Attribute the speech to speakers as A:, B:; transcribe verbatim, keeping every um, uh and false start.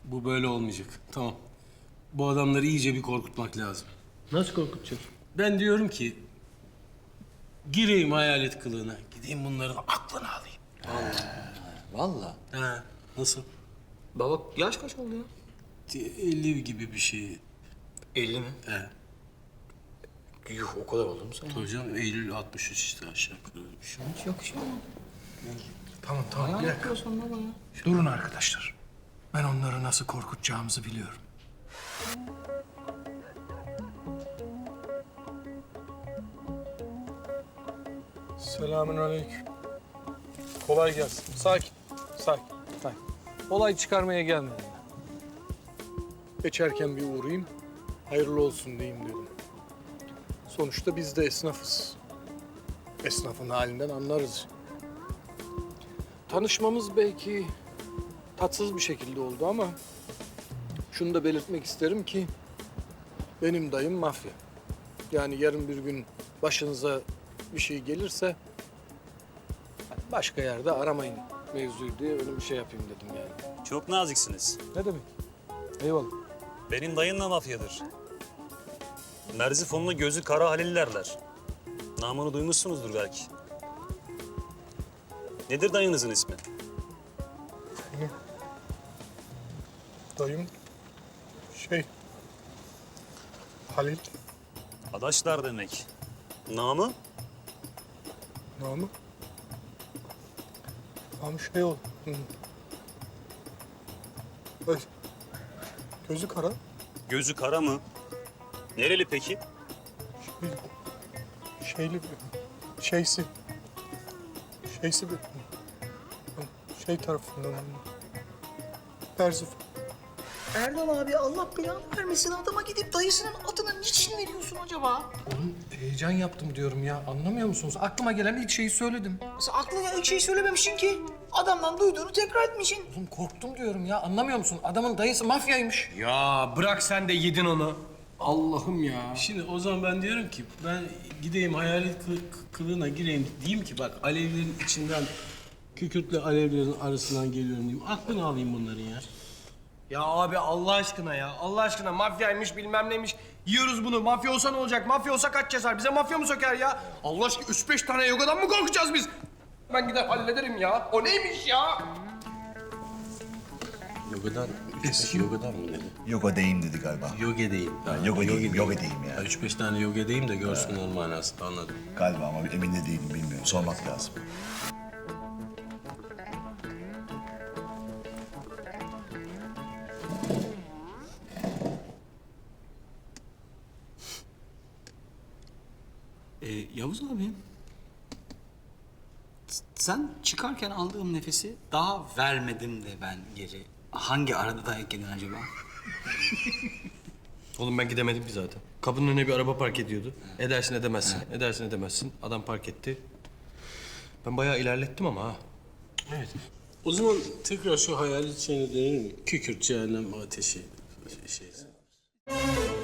A: Bu böyle olmayacak. Tamam. Bu adamları iyice bir korkutmak lazım.
B: Nasıl korkutacağız?
A: Ben diyorum ki... gireyim hayalet kılığına. Gideyim bunların aklını alayım.
C: Vallahi.
A: Ha, nasıl?
C: Baba yaş kaç oldu ya?
A: elli gibi bir şey.
C: elli mi?
A: He.
C: Yuh o kadar oldu mu sen?
A: Hocam Eylül altmış üç işte aşağı yukarı öyle bir şey.
C: Hiç yakışıyor mu?
B: Tamam tamam bir dakika.
C: Yapıyorsun baba ya.
B: Durun arkadaşlar. Ben onları nasıl korkutacağımızı biliyorum.
D: Selamünaleyküm. Kolay gelsin. Sakin, sakin, sakin. Olay çıkarmaya gelmedim ben. Geçerken bir uğrayayım, hayırlı olsun diyeyim dedim. Sonuçta biz de esnafız. Esnafın halinden anlarız. Tanışmamız belki tatsız bir şekilde oldu ama... şunu da belirtmek isterim ki... benim dayım mafya. Yani yarın bir gün başınıza bir şey gelirse... başka yerde aramayın mevzuyu diye öyle bir şey yapayım dedim yani.
E: Çok naziksiniz.
D: Ne demek? Eyvallah.
E: Benim dayım da mafyadır. Merzifonlu gözü kara Halillerler. Namını duymuşsunuzdur belki. Nedir dayınızın ismi?
D: Dayım şey Halil
E: Adaşlar demek. Namı?
D: namı namı şey ol. Hı. Ay, gözü kara.
E: Gözü kara mı? Nereli peki?
D: Şey, şeyli bir şeysi şeysi bir şey tarafından Perzif.
F: Erdal abi Allah belanı vermesin adama gidip dayısının adını niçin veriyorsun acaba?
B: Oğlum heyecan yaptım diyorum ya. Anlamıyor musunuz? Aklıma gelen ilk şeyi söyledim.
F: Sen aklına ilk şeyi söylememişsin ki. Adamdan duyduğunu tekrar etmişsin.
B: Oğlum korktum diyorum ya. Anlamıyor musun? Adamın dayısı mafyaymış.
G: Ya bırak sen de yedin onu.
B: Allah'ım ya.
A: Şimdi o zaman ben diyorum ki ben gideyim hayalet kı- kılığına gireyim diyeyim ki bak alevlerin içinden kükürtle alevlerin arasından geliyorum diyeyim. Aklını alayım bunların ya.
G: Ya abi Allah aşkına ya. Allah aşkına mafyaymış bilmem neymiş. Yiyoruz bunu. Mafya olsa ne olacak? Mafya olsa kaç yazar? Bize mafya mı söker ya? Allah aşkına üç beş tane yogadan mı korkacağız biz? Ben gider hallederim ya. O neymiş ya?
A: Yogadan, yogadan mı dedi?
H: Yoga deyim dedi galiba.
A: Yoga değil. Ha,
H: yoga değil,
A: yoga
H: yoga değil ya.
A: Üç beş tane yoga deyim de görsünler manasında anladım.
H: Galiba ama emin de değilim, bilmiyorum. Sormak lazım.
C: Ee, Yavuz abi. s- Sen çıkarken aldığım nefesi daha vermedim de ben geri. Hangi arada dayak yedin acaba?
G: Oğlum ben gidemedim ki zaten. Kapının önüne bir araba park ediyordu. Edersin edemezsin. Edersin edemezsin. Adam park etti. Ben bayağı ilerlettim ama ha.
A: Evet. O zaman tekrar şu hayalet şeyine dönelim mi? Kükürt cehennem ateşi şey.